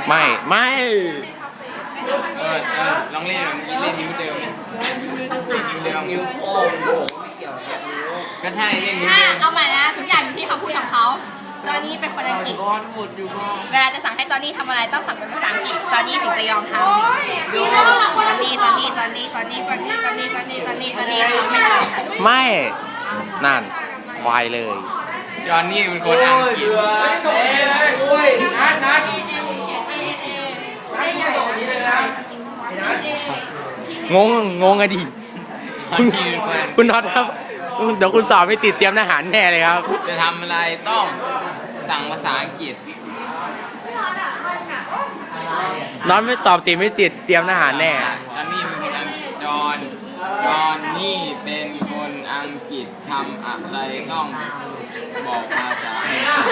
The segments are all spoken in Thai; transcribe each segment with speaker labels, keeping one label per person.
Speaker 1: ไม่
Speaker 2: ลองเล่นเล่นนิ้วเดิมนิ้วโป้งไม่เกี่ยวกับนิ้วก็ใช่เล่นนิ้วเดิม
Speaker 3: เอาใหม่นะทุกอย่างอยู่ที่คำพูดของเขาจอห์นนี่เป็นคนอังกฤษเวลาจะสั่งให้จอห์นนี่ทำอะไรต้องสั่งเป็นภาษาอังกฤษจอห์นนี่ถึงจะยอมทำดูจอห์นนี่ทำไม่ทำ
Speaker 1: ไม่นั่นควายเลย
Speaker 2: จอห์นนี่เป็นคนอังกฤษ
Speaker 1: งงอะดิคุณน็อตครับเดี๋ยวคุณสอบไม่ติดเตรียมทหารแน่เลยครับ
Speaker 2: จะทำอะไรต้องสั่งภาษาอังกฤษ
Speaker 1: น็อตไม่ตอบติดไม่ติดเตรียมทหารแน่
Speaker 2: จอห์นนี่เป็นคนอังกฤษทำอะไรต้องบอกภาษา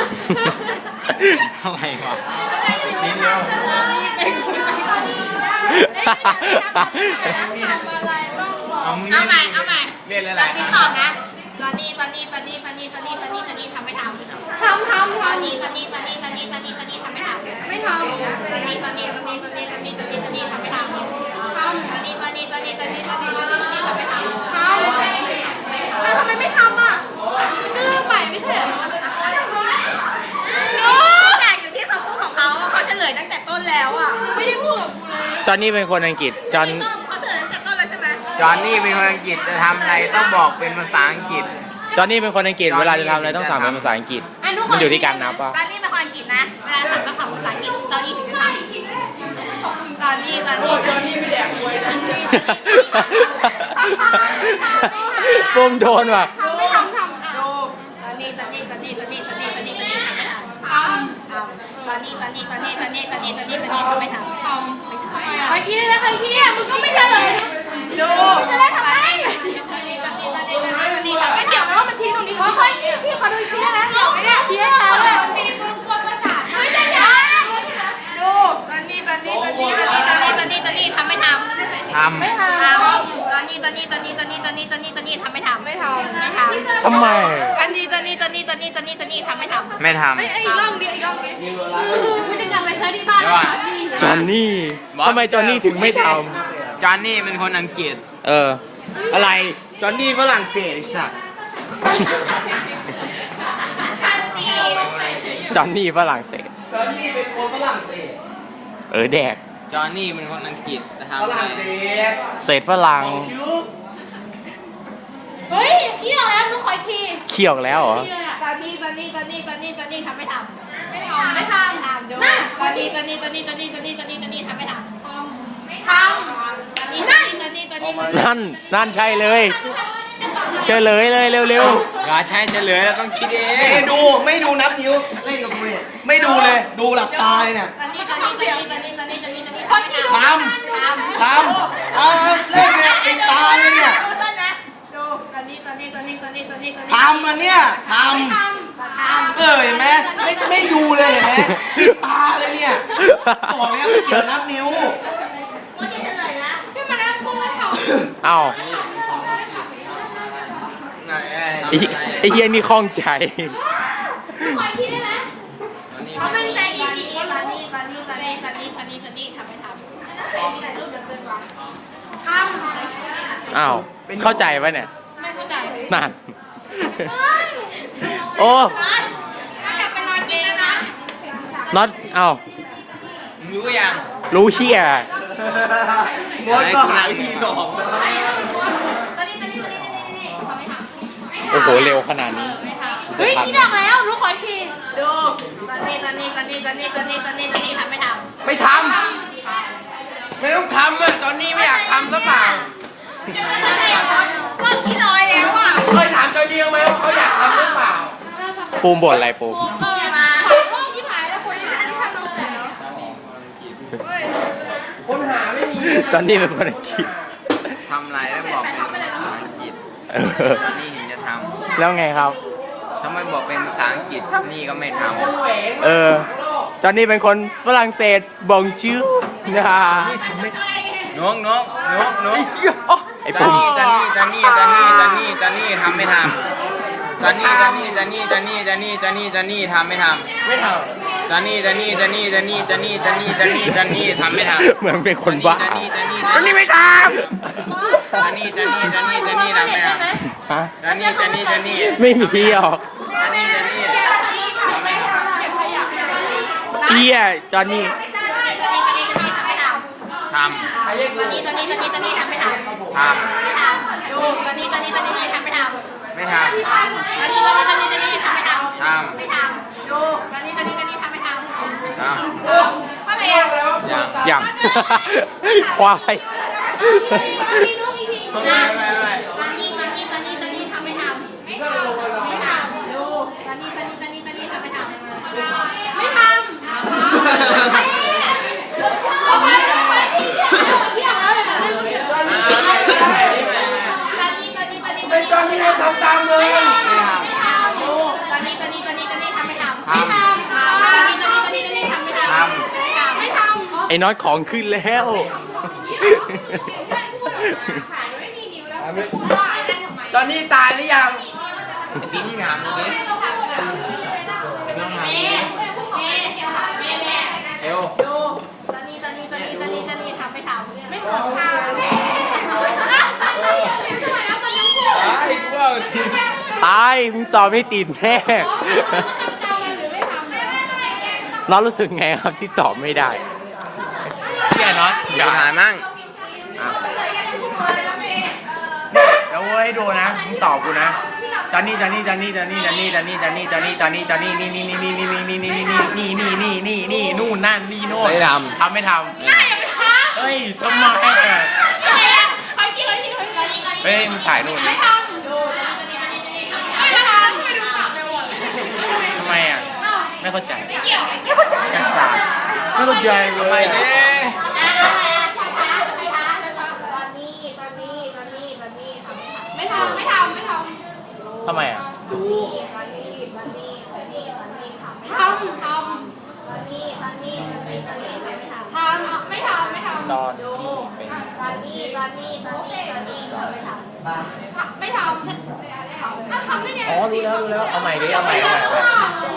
Speaker 2: อะไรวะนี่เดียว
Speaker 3: เอาใหม่
Speaker 2: เล่นอะไร
Speaker 3: พี่ตอบนะจอห์นนี่ทำไม่ทำจอห์นนี่ทำไม่ทำไม่ทำจอห์นนี่ทำไม่ทำจอห์นนี่ทำไม่ทำจอห์นนี่ทำไม่ทำจอห์นนี่ทำไม่ทำทำไมไม่ทำอ่ะก็เริ่มใหม่ไม่ใช่เหรอแต่อยู่ที่คำพูดของเขาเขาเฉลยตั้งแต่ต้นแล้วอ่ะไม่ได้พูดกับกูเลย
Speaker 1: จอห์นนี่เป็นคนอังกฤษ
Speaker 3: เขาเฉลยตั้งแต่ต้นแล้วใช่ไหม
Speaker 2: จอห์นนี่เป็นคนอังกฤษจะทำอะไรต้องบอกเป็นภาษาอังกฤษ
Speaker 1: จอห์นนี่เป็นคนอังกฤษเวลาจะทำอะไรต้องสั่งเป็นภาษาอังกฤษมันอยู่ที่การนับป่ะ
Speaker 3: จอห์นนี่เป็นคนอังกฤษนะเวลาสั่งต้องสั่งภาษาอังกฤษจอห์นนี่ถึงจะทำจอห์นนี่ไม่แดกมวยนะ
Speaker 1: ปุ้มโดนว่ะ
Speaker 3: ไม่ทำดูจอห์นนี่ทำไม่ทำจอห์นนี่ทำไม่ทำจอห์นนี่ทำไม่ทำใครคิดได้ไหมใครคิดอ่ะมึงก็ไม่เฉลยดูจะได้ทำไมไม่เกี่ยวไหมว่ามันชี้ตรงนี้ค่อยพี่ขอดูชี้นะเกี่ยวไหมเนี่ยชี้ให้ช้าเลยตีมึงกดประสาทไม่ได้ดูตอนนี้ทำไม่ทำไม่ทำตอนนี้ทำไม่ทำ
Speaker 1: ทำไม
Speaker 3: ตอนนี้ทำไม่ทำ
Speaker 1: ไม่ทำ
Speaker 3: อีกรอบเดียวไม่ได้จำไปใช้ที่บ้าน
Speaker 1: จอห์นนี่ทำไมจอห์นนี่ถึงไม่ท
Speaker 2: ำจอห์นนี่เป็นคนอังกฤษ
Speaker 1: อะไร
Speaker 2: จอห์นนี่ฝรั่งเศสไอ้สัส
Speaker 1: จอห์นนี่ฝรั่งเศส
Speaker 2: จอห์นนี่เป็นคนฝรั่งเศส
Speaker 1: แดก
Speaker 2: จอห์นนี่เป็นคนอังกฤษจะทำอะไร
Speaker 1: เศษฝรั่ง
Speaker 3: เฮ้ยเกี่ยวแล้วลูกคอยที
Speaker 1: เขี่ยวแล้วเหรอ
Speaker 3: ตอนนี้ทำไม่ทำดูตอนนี้ทำไม่ทำดูตอนนี้ทำไม่ทำ
Speaker 1: นั่นใช่เลยเฉลยเลยเร็ว
Speaker 2: อย่าใช้เฉลยแล้วต้องคิดเอง
Speaker 4: ไม่ดูนับนิ้วเล่นกับกูเนี่ยไม่ดูเลยดูหลับตาเลยเนี่ยทำเล่นเนี่ยปิดตาเลยเนี่ยทำอันเนี่ยทำเห็นไหมไม่ดูเลยเห็นไหมปิดตาเลยเนี่ยบอกแล้วไม่เกี่ยวนับนิ้ว
Speaker 1: เอ้าไอ้เฮียนี่คล่องใจ
Speaker 3: เขาเป็นใจดีตอนนี้ทำไม่ทำ
Speaker 1: อ้าวเข้าใจปะเนี่ย
Speaker 3: ไม่เข้าใจ
Speaker 1: นั่นโอ้
Speaker 3: กลับไปนอนกินแล้วนะ
Speaker 1: น็อตเอ้า
Speaker 2: รู้ยัง
Speaker 1: รู้เฮีย
Speaker 4: มดก็หายทีหนอก
Speaker 1: โอ้โหเร็วขนาดนี้
Speaker 3: เฮ้ยนี่ดังแล้วรู้ขอทีดูตอนนี้ทำไม่ทำ
Speaker 2: ไม่ต้องทำเลยตอนนี้ไม่อยากทำหรือเปล่า
Speaker 3: ก็ที่ลอยแล้วอ่ะ
Speaker 2: เคยถามตัวเดียวไหมว่าเขาอยากทำหรือเปล่า
Speaker 1: ปูมบ่นอะไรปูม
Speaker 3: ที่หายแล้วคนที่ทำแล้ว
Speaker 4: คนหาไม่มี
Speaker 1: ตอนนี้เป็นคนอังกฤษ
Speaker 2: ทำอะไรแล้วบอกเป็นภาษาอังกฤษตอนนี้เห็นจะทำ
Speaker 1: แล้วไงครับ
Speaker 2: ถ้าไม่บอกเป็นภาษาอังกฤษนี่ก็ไม่ทำ
Speaker 1: ตอนนี้เป็นคนฝรั่งเศสบองชื่อนะ
Speaker 2: น้อง
Speaker 1: ไอ้ปุ่ม
Speaker 2: จานนี่ทำไม่ทำจานนี่ทำไม่ทำจอนนี่ทำไม่ทำ
Speaker 1: เหมือนเป็นคนบ้า
Speaker 2: จอนนี่ไม่ท
Speaker 1: จอนนี่
Speaker 2: ำทำไม่ทำ
Speaker 1: ฮะ
Speaker 2: จอนนี่
Speaker 1: ไม่มีหรอก
Speaker 2: ทำไม่ทำ
Speaker 1: เอี้ยจอนนี่
Speaker 2: ทำ ไม่ทำอย่าง
Speaker 1: ควาย
Speaker 4: จอนนี่ทำตามเลย
Speaker 1: ไอ้น้อยของขึ้นแล้ว
Speaker 4: จอนนี่ตายหรือยัง
Speaker 2: ปิ้งถามดูดิเร็ว
Speaker 1: ตายมึงสอบไม่ติดแน่น้องรู้สึกไงครับที่ตอบไม่ได้พี่ไอ้น้อย
Speaker 2: อย่าถามมั่ง
Speaker 1: เดี๋ยวให้ดูนะมึงตอบกูนะจอนนี่นี่นู่นนั่นนี่โน่น
Speaker 2: ไม่ท
Speaker 1: ทำไม่ทำเฮ้ยทำไมอ่ะเฮ้ยมึงถ่ายนู่นดิทำไมอ่ะไม่เข้าใจไม่เข้าใจเล
Speaker 2: ำไป
Speaker 1: ย
Speaker 2: ดิ
Speaker 1: ทำไมอ่ะ ตอนที่เป็นอ๋อรู้แล้วเอาใหม่ดิเอาใหม่